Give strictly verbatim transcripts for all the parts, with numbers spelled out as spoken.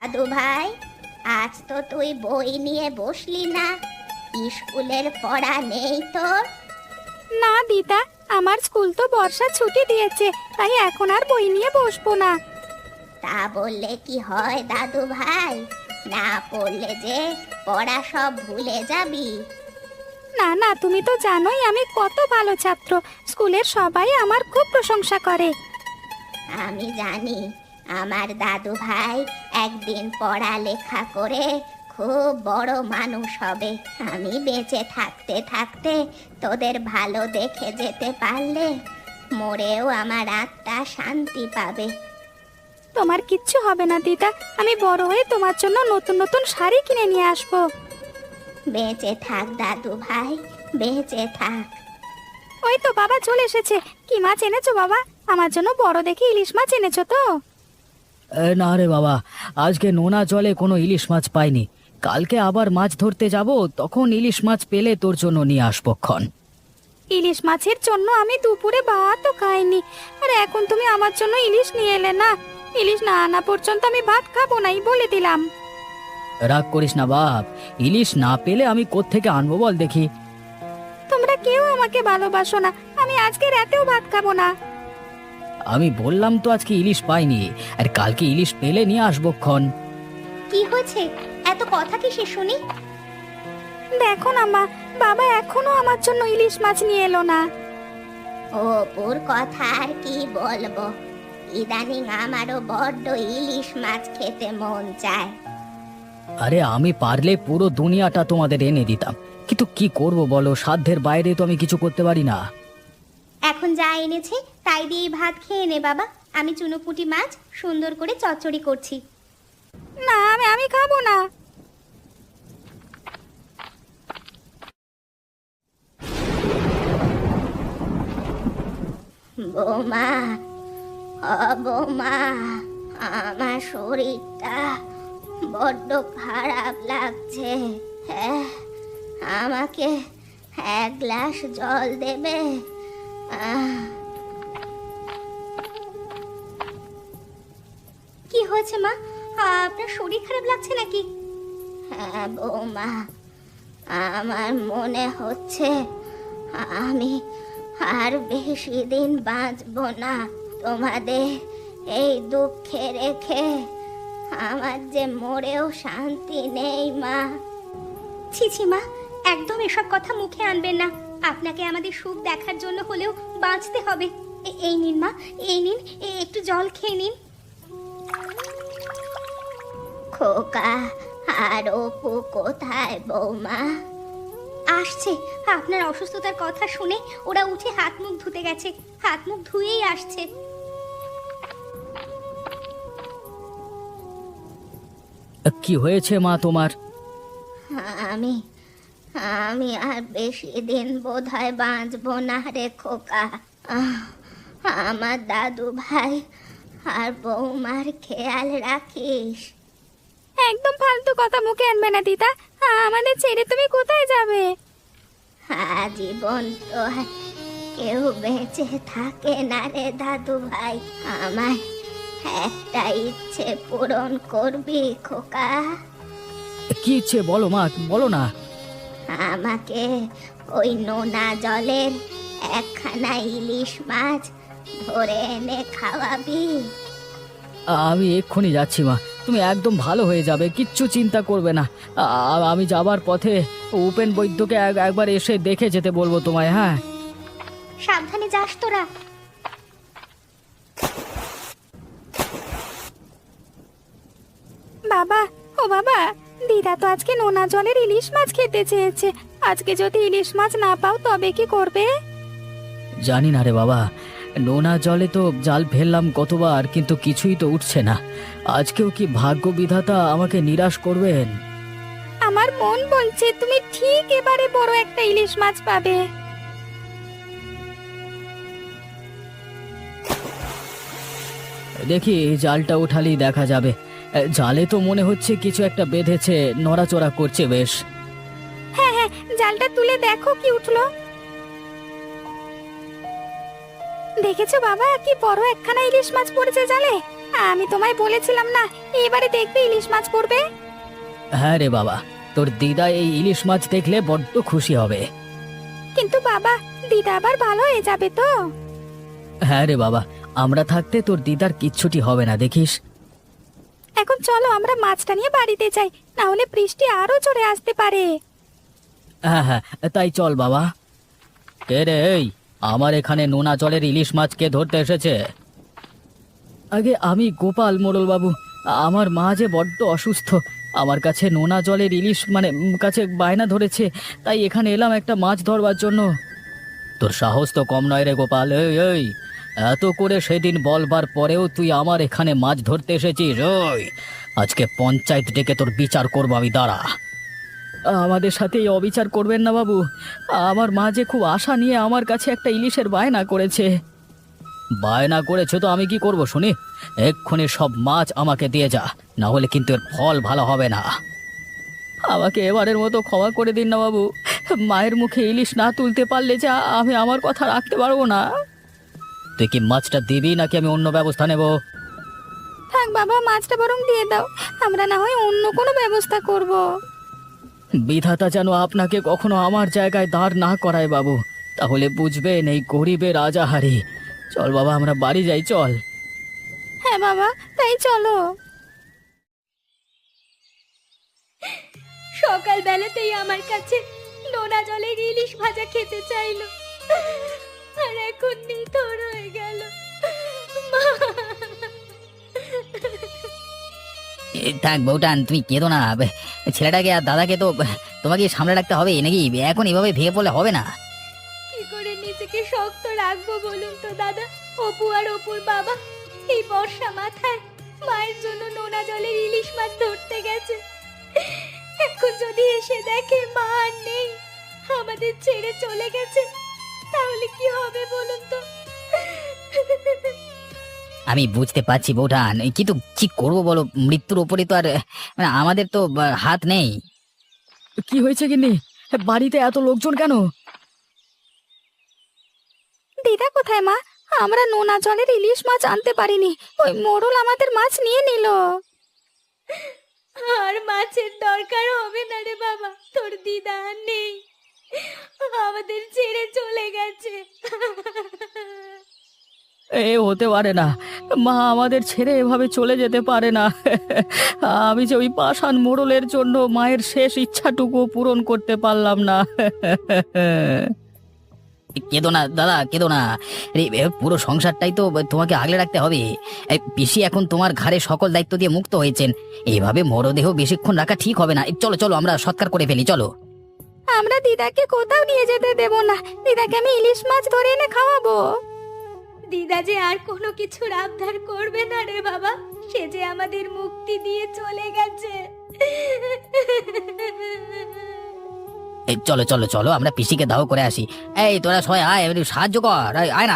দাদু ভাই, আজ তো তুই বই নিয়ে বসলি না, স্কুলের পড়া নেই তোর? না দিদা, আমার স্কুল তো বর্ষা ছুটি দিয়েছে, তাই এখন আর বই নিয়ে বসবো না। তা বললে কি হয় দাদু ভাই? না পড়লে যে পড়া সব ভুলে যাবি। না না, তুমি তো জানোই আমি কত ভালো ছাত্র, স্কুলের সবাই আমার খুব প্রশংসা করে। আমি জানি আমার দাদু ভাই একদিন পড়ালেখা করে খুব বড় মানুষ হবে। আমি বেঁচে থাকতে থাকতে তোদের ভালো দেখে যেতে পারলে মরেও আমার আত্মা শান্তি পাবে। তোমার কিচ্ছু হবে না দিদা, আমি বড় হয়ে তোমার জন্য নতুন নতুন শাড়ি কিনে নিয়ে আসবো। বেঁচে থাক দাদু ভাই, বেঁচে থাক। ওই তো বাবা চলে এসেছে। কি মাছ এনেছো বাবা? আমার জন্য বড় দেখে ইলিশ মাছ এনেছো তো? এ, না রে বাবা, আজকে নোনা জলে কোনো ইলিশ মাছ পাইনি। কালকে আবার মাছ ধরতে যাব, তখন ইলিশ মাছ পেলে তোর জন্য নিয়ে আসবো ক্ষণ। ইলিশ মাছের জন্য আমি দুপুরে ভাতও খাইনি, আর এখন তুমি আমার জন্য ইলিশ নিয়ে এলে না। ইলিশ না আনা পর্যন্ত আমি ভাত খাবো নাই বলে দিলাম। রাগ করিস না বাপ, ইলিশ না পেলে আমি কোত্থেকে আনবো বল দেখি। তোমরা কেউ আমাকে ভালোবাসো না, আমি আজকে রাতেও ভাত খাবো না। আমি বললাম তো আজকে ইলিশ পাইনি, আর কালকে ইলিশ পেলে নিয়ে আসবো ক্ষণ। কি হয়েছে? এত কথা কি সে শুনি? দেখো না মা, বাবা এখনো আমার জন্য ইলিশ মাছ নিয়ে এলো না। অপুর কথা আর কি বলবো, ইদানিং আমারও বড্ড ইলিশ মাছ খেতে মন চায়। আরে আমি পারলে পুরো দুনিয়াটা তোমাদের এনে দিতাম, কিন্তু কি করব বলো, সাধ্যের বাইরে তো আমি কিছু করতে পারি না। এখন যা এনেছে তাই দিয়েই ভাত খেয়ে নে বাবা। আমি চুনোপুঁটি মাছ সুন্দর করে চচ্চড়ি করছি। না, আমি আমি খাবো না। বৌমা, ও বৌমা, আমার শরীরটা বড্ড খারাপ লাগছে। হ্যাঁ, আমাকে এক গ্লাস জল দেবে? আহ। কি হয়েছে মা? আপনার শরীর খারাপ লাগছে নাকি? হ্যাঁ বৌমা, আমার মনে হচ্ছে আমি আর বেশি দিন বাঁচবো না। তোমাদের এই দুঃখে রেখে আমার যে মরেও শান্তি নেই মা। ছি ছি মা, একদম এসব কথা মুখে আনবেন না। আপনাকে আমাদের সুখ দেখার জন্য হলেও বাঁচতে হবে। এ- এই নিন মা, এই নিন, এ- একটু জল খেয়ে নিন। খোকা আর অপু কোথায় বৌমা? আসছে, আপনার অসুস্থতার কথা শুনে ওরা উঠে হাত মুখ ধুতে গেছে। হাত মুখ ধুয়েই আসছে। কি হয়েছে মা তোমার? আমি আমি আর বেশি দিন বোধহয় বাঁচবো না রে খোকা। আহ, আমার দাদু ভাই আর বৌমার খেয়াল রাখিস। একদম ফালতু কথা মুখে আনবে না দিদা, আমাদের ছেড়ে তুমি কোথায় যাবে? আজীবন তো আর কেউ বেঁচে থাকে না রে দাদু ভাই। আমার একটা ইচ্ছে পূরণ করবি খোকা? কি ইচ্ছে বলো মা, বলো না। আমাকে ওই নোনা জলের একখানা ইলিশ মাছ ধরে এনে খাওয়াবি? আমি এক্ষুনি যাচ্ছি মা, তুমি একদম ভালো হয়ে যাবে, কিচ্ছু চিন্তা করবে না। আ- আমি যাবার পথে উপেন বৈদ্যকে এক- একবার এসে দেখে যেতে বলবো তোমায়। হ্যাঁ, সাবধানে যাস তোরা। বাবা, ও বাবা, দিদা তো আজকে নোনা জলের ইলিশ মাছ খেতে চেয়েছে। আজকে যদি ইলিশ মাছ না পাও তবে কি করবে? জানি না রে বাবা, নোনা জলে তো জাল ফেললাম কতবার, কিন্তু কিছুই তো উঠছে না। আজকেও কি ভাগ্য বিধাতা আমাকে নিরাশ করবেন? আমার মন বলছে তুমি ঠিক এবারে বড় একটা ইলিশ মাছ পাবে। দেখি জালটা উঠালেই দেখা যাবে। এ, জালে তো মনে হচ্ছে কিছু একটা বেঁধেছে, নড়াচড়া করছে বেশ। হ্যাঁ হ্যাঁ, জালটা তুলে দেখো কি উঠলো। দেখেছো বাবা কি বড় একখানা ইলিশ মাছ পড়েছে জালে? আমি তোমায় বলেছিলাম না এবারে দেখবে ইলিশ মাছ পড়বে। হ্যাঁ রে বাবা, তোর দিদা এই ইলিশ মাছ দেখলে বড্ড খুশি হবে। কিন্তু বাবা দিদা আবার ভালো হয়ে যাবে তো? হ্যাঁ রে বাবা, আমরা থাকতে তোর দিদার কিচ্ছুটি হবে না, দেখিস। এখন চলো আমরা মাছটা নিয়ে বাড়িতে যাই, না হলে বৃষ্টি আরো জোরে আসতে পারে। হ্যাঁ হ্যাঁ, তাই চল বাবা। কে রে এই, আমার এখানে নোনা জলের ইলিশ মাছ কে ধরতে এসেছে? আগে আমি গোপাল মোড়ল বাবু। আমার মা যে বড্ড অসুস্থ, আমার কাছে নোনা জলের ইলিশ মানে উম, কাছে বায়না ধরেছে, তাই এখানে এলাম একটা মাছ ধরবার জন্য। তোর সাহস তো কম নয় রে গোপাল। এই এই এত করে সেদিন বলবার পরেও তুই আমার এখানে মাছ ধরতে এসেছিস? ওই আজকে পঞ্চায়েত ডেকে তোর বিচার করবো আমি, দাঁড়া। আমাদের সাথে এই অবিচার করবেন না বাবু। আমার মা যে খুব আশা নিয়ে আমার কাছে একটা ইলিশের বায়না করেছে। বায়না করেছে তো আমি কি করব শুনি? এক্ষুনি সব মাছ আমাকে দিয়ে যা, না হলে কিন্তু এর ফল ভালো হবে না। আমাকে এবারের মতো ক্ষমা করে দিন না বাবু। মায়ের মুখে ইলিশ না তুলতে পারলে যা আমি আমার কথা রাখতে পারবো না। তুই কি মাছটা দিবি নাকি আমি অন্য ব্যবস্থা নেব? থাক বাবা মাছটা বরং দিয়ে দাও, আমরা না হয় অন্য কোনো ব্যবস্থা করব। বিধাতা যেন আপনাকে কখনো আমার জায়গায় দাঁড় না করায় বাবু, তাহলে বুঝবেন এই গরিবের রাজাহারি। চল বাবা আমরা বাড়ি যাই, চল। হ্যাঁ বাবা তাই চলো। সকাল বেলাতেই আমার কাছে নোনা জলের ইলিশ ভাজা খেতে চাইলো, আর এখন নিথর হয়ে গেল। মা! থাক বউটান, তুমি কেঁদো না। ছেলেটাকে আর দাদাকে তো তোমাকে সামলে রাখতে হবে নাকি? এখন এভাবে ভেঙে পড়লে হবে না। কি করে নিজেকে শক্ত রাখবো বলুন তো দাদা? অপু আর অপুর বাবা এই বর্ষা মাথায় মায়ের জন্য নোনা জলের ইলিশ মাছ ধরতে গেছে। এখন যদি এসে দেখে মা আর নেই, আমাদের ছেড়ে চলে গেছে, তাহলে কি হবে বলুন তো? আমি বুঝতে পারছি বউটান, কিন্তু কি করবো বলো? মৃত্যুর ওপরে তো আর মানে আমাদের তো আহ, হাত নেই। কি হয়েছে গিন্নি? বাড়িতে এত লোকজন কেন? দিদা কোথায় মা? আমরা নোনা জলের ইলিশ মাছ আনতে পারিনি, ওই মোড়ল আমাদের মাছ নিয়ে নিল। আর মাছের দরকার হবে না রে বাবা, তোর দিদা আর নেই, আমাদের ছেড়ে চলে গেছে। এ হতে পারে না, মা আমাদের ছেড়ে এভাবে চলে যেতে পারে না। আমি যে ওই পাষাণ মোড়লের জন্য মায়ের শেষ ইচ্ছাটুকু পূরণ করতে পারলাম না। কেঁদো না দাদা, কেঁদো না। এই এ, পুরো সংসারটাই তো তোমাকে আগলে রাখতে হবে। এই পিসি এখন তোমার ঘাড়ে সকল দায়িত্ব দিয়ে মুক্ত হয়েছেন, এইভাবে মরদেহ বেশিক্ষণ রাখা ঠিক হবে না। এই চলো চলো আমরা সৎকার করে ফেলি, চলো। আমরা দিদাকে কোথাও নিয়ে যেতে দেব না, দিদাকে আমি ইলিশ মাছ ধরে এনে খাওয়াবো। দিদা যে আর কোনো কিছুর আবদার করবে না রে বাবা, সে যে আমাদের মুক্তি দিয়ে চলে গেছে। এই চলো চলো চলো আমরা পিসিকে দাও করে আসি। এই তোরা সবাই আয়, একটু সাহায্য কর, এই, আয় না।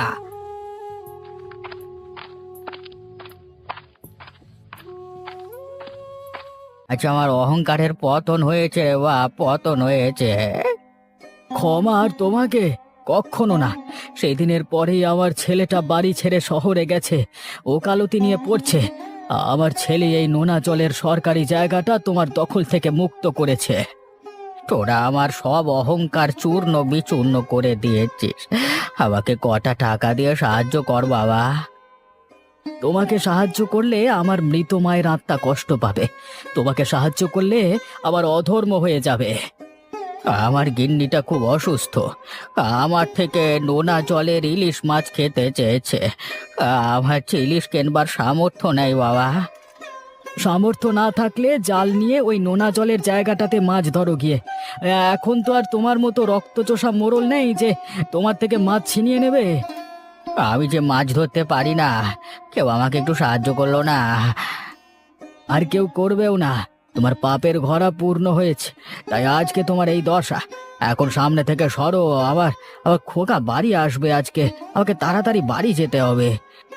আচ্ছা আমার অহংকারের পতন হয়েছে রে বা, পতন হয়েছে। ক্ষমা আর তোমাকে কখনো না। সেই দিনের পরেই আমার ছেলেটা বাড়ি ছেড়ে শহরে গেছে, ওকালতি নিয়ে পড়ছে। আমার ছেলে এই নোনা জলের সরকারি জায়গাটা তোমার দখল থেকে মুক্ত করেছে। তোরা আমার সব অহংকার চূর্ণ বিচূর্ণ করে দিয়েছিস, আমাকে কটা টাকা দিয়ে সাহায্য কর বাবা। তোমাকে সাহায্য করলে আমার মৃত মায়ের আত্মা কষ্ট পাবে, তোমাকে সাহায্য করলে আবার অধর্ম হয়ে যাবে। আমার গিন্নিটা খুব অসুস্থ, আমার থেকে নোনা জলের ইলিশ মাছ খেতে চেয়েছে, আমার যে ইলিশ কেনবার সামর্থ্য নেই বাবা। সামর্থ্য না থাকলে জাল নিয়ে ওই নোনা জলের জায়গাটাতে মাছ ধরো গিয়ে। এখন তো আর তোমার মতো রক্তচোষা মোড়ল নেই যে তোমার থেকে মাছ ছিনিয়ে নেবে। আমি যে মাছ ধরতে পারি না, কেউ আমাকে একটু সাহায্য করলো না। আর কেউ করবেও না, তোমার পাপের ঘরা পূর্ণ হয়েছে, তাই আজকে তোমার এই দশা। এখন সামনে থেকে সরো, আবার আবার খোকা বাড়ি আসবে আজকে, আমাকে তাড়াতাড়ি বাড়ি যেতে হবে।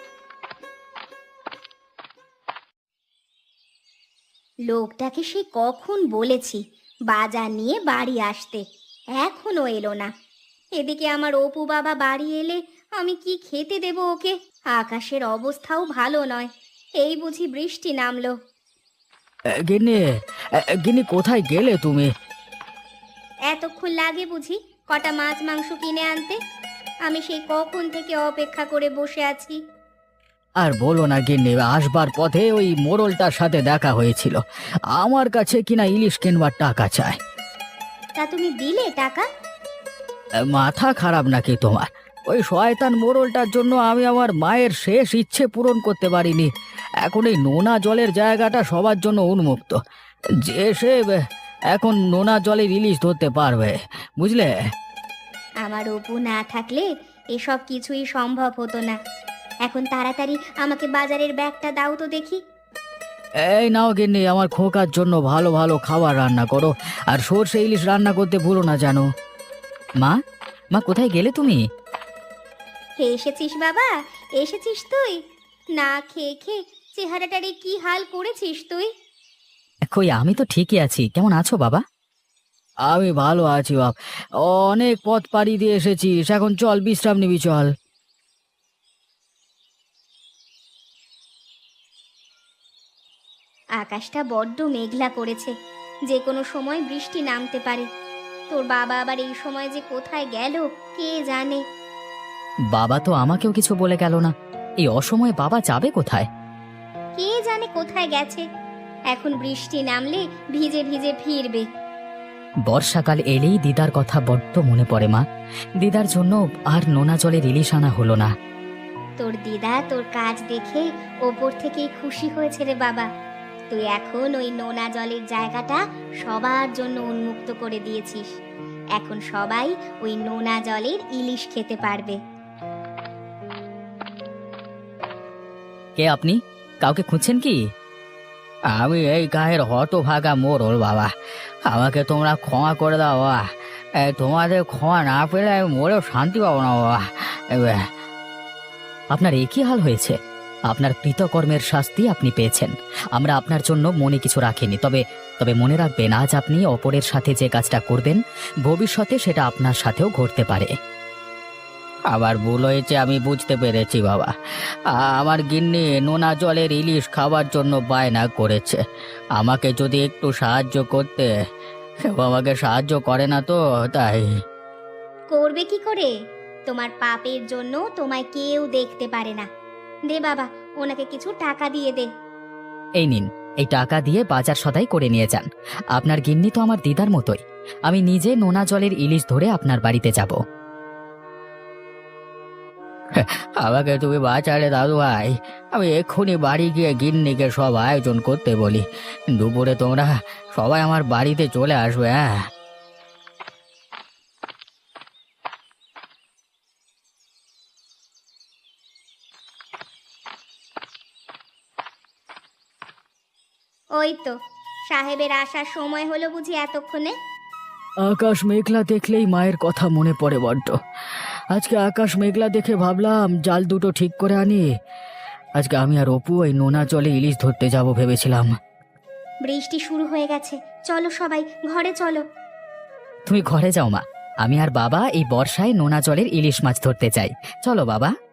লোকটাকে সে কখন বলেছি বাজার নিয়ে বাড়ি আসতে, এখনো এলো না। এদিকে আমার অপু বাবা বাড়ি এলে আমি কি খেতে দেব ওকে? আকাশের অবস্থাও ভালো নয়, এই বুঝি বৃষ্টি নামলো। এ, গিন্নি এ, গিন্নি কোথায় গেলে তুমি? এতক্ষণ লাগে বুঝি কটা মাছ মাংস কিনে আনতে? আমি সেই কখন থেকে অপেক্ষা করে বসে আছি। আর বলো না গিন্নি, আসবার পথে ওই মোড়লটার সাথে দেখা হয়েছিল, আমার কাছে কিনা ইলিশ কিনবার টাকা চায়। তা তুমি দিলে টাকা? এ, মাথা খারাপ নাকি তোমার? ওই শয়তান মোড়লটার জন্য আমি আমার মায়ের শেষ ইচ্ছে পূরণ করতে পারিনি। এখন এই নোনা জলের জায়গাটা সবার জন্য উন্মুক্ত, যে সে এ, এখন নোনা জলের ইলিশ ধরতে পারবে, বুঝলে? আমার অপু না থাকলে এসব কিছুই সম্ভব হতো না। এখন তাড়াতাড়ি আমাকে বাজারের ব্যাগটা দাও তো দেখি। এই নাও গিন্নি, আমার খোকার জন্য ভালো ভালো খাবার রান্না করো, আর সর্ষে ইলিশ রান্না করতে ভুলো না জানো। মা মা কোথায় গেলে তুমি? হে এসেছিস বাবা, এসেছিস তুই? না খেয়ে খেয়ে চেহারাটারে কি হাল করেছিস তুই? কই, আমি তো ঠিকই আছি। কেমন আছো বাবা? আমি ভালো আছি বাপ, অনেক পথ পাড়ি দিয়ে এসেছিস, এখন চল বিশ্রাম নিবি, চল। আকাশটা বড্ড মেঘলা করেছে, যে কোনো সময় বৃষ্টি নামতে পারে। তোর বাবা আবার এই সময় যে কোথায় গেল কে জানে। বাবা তো আমাকেও কিছু বলে গেল না। এই অসময়ে বাবা যাবে কোথায়? কে জানে কোথায় গেছে। এখন বৃষ্টি নামলে ভিজে ভিজে ফিরবে। বর্ষাকাল এলেই দিদার কথা বড্ড মনে পড়ে মা। দিদার জন্য আর নোনা জলের ইলিশ আনা হলো না। তোর দিদা তোর কাজ দেখে ওপর থেকেই খুশি হয়েছে রে বাবা। তুই এখন ওই নোনা জলের জায়গাটা সবার জন্য উন্মুক্ত করে দিয়েছিস। এখন সবাই ওই নোনা জলের ইলিশ খেতে পারবে। কে আপনি? কাউকে খুঁজছেন কি? আমি এই গায়ের হতভাগা মোড়ল বাবা, আমাকে তোমরা ক্ষমা করে দাও বাবা। এ, তোমাদের ক্ষমা না পেলে আমি মরেও শান্তি পাবো না বাবা। এ, আপনার একই হাল হয়েছে। আপনার কৃতকর্মের শাস্তি আপনি পেয়েছেন। আমরা আপনার জন্য মনে কিছু রাখিনি, তবে তবে মনে রাখবেন, আজ আপনি অপরের সাথে যে কাজটা করবেন, ভবিষ্যতে সেটা আপনার সাথেও ঘটতে পারে। আবার ভুল হয়েছে, আমি বুঝতে পেরেছি বাবা। আ- আমার গিন্নি নোনা জলের ইলিশ খাবার জন্য বায়না করেছে, আমাকে যদি একটু সাহায্য করতে। কেউ আমাকে সাহায্য করে না তো, তাই। করবে কি করে? তোমার পাপের জন্য তোমায় কেউ দেখতে পারে না। দে বাবা, ওনাকে কিছু টাকা দিয়ে দে। এই নিন, এই টাকা দিয়ে বাজার সদাই করে নিয়ে যান। আপনার গিন্নি তো আমার দিদার মতোই। আমি নিজে নোনা জলের ইলিশ ধরে আপনার বাড়িতে যাব। আমাকে তুমি বাঁচালে দাদু ভাই, আমি এক্ষুনি বাড়ি গিয়ে গিন্নিকে সব আয়োজন করতে বলি। দুপুরে তোমরা সবাই আমার বাড়িতে চলে আসবে, হ্যাঁ? ওই তো সাহেবের আসার সময় হলো বুঝি এতক্ষণে। আকাশ মেঘলা দেখলেই মায়ের কথা মনে পড়ে বড্ড। আজকে আকাশ মেঘলা দেখে ভাবলাম জাল দুটো ঠিক করে আনি। আজকে আমি আর অপু ওই নোনা জলে ইলিশ ধরতে যাব ভেবেছিলাম। বৃষ্টি শুরু হয়ে গেছে, চলো সবাই ঘরে চলো। তুমি ঘরে যাও মা, আমি আর বাবা এই বর্ষায় নোনা জলের ইলিশ মাছ ধরতে চাই। চলো বাবা।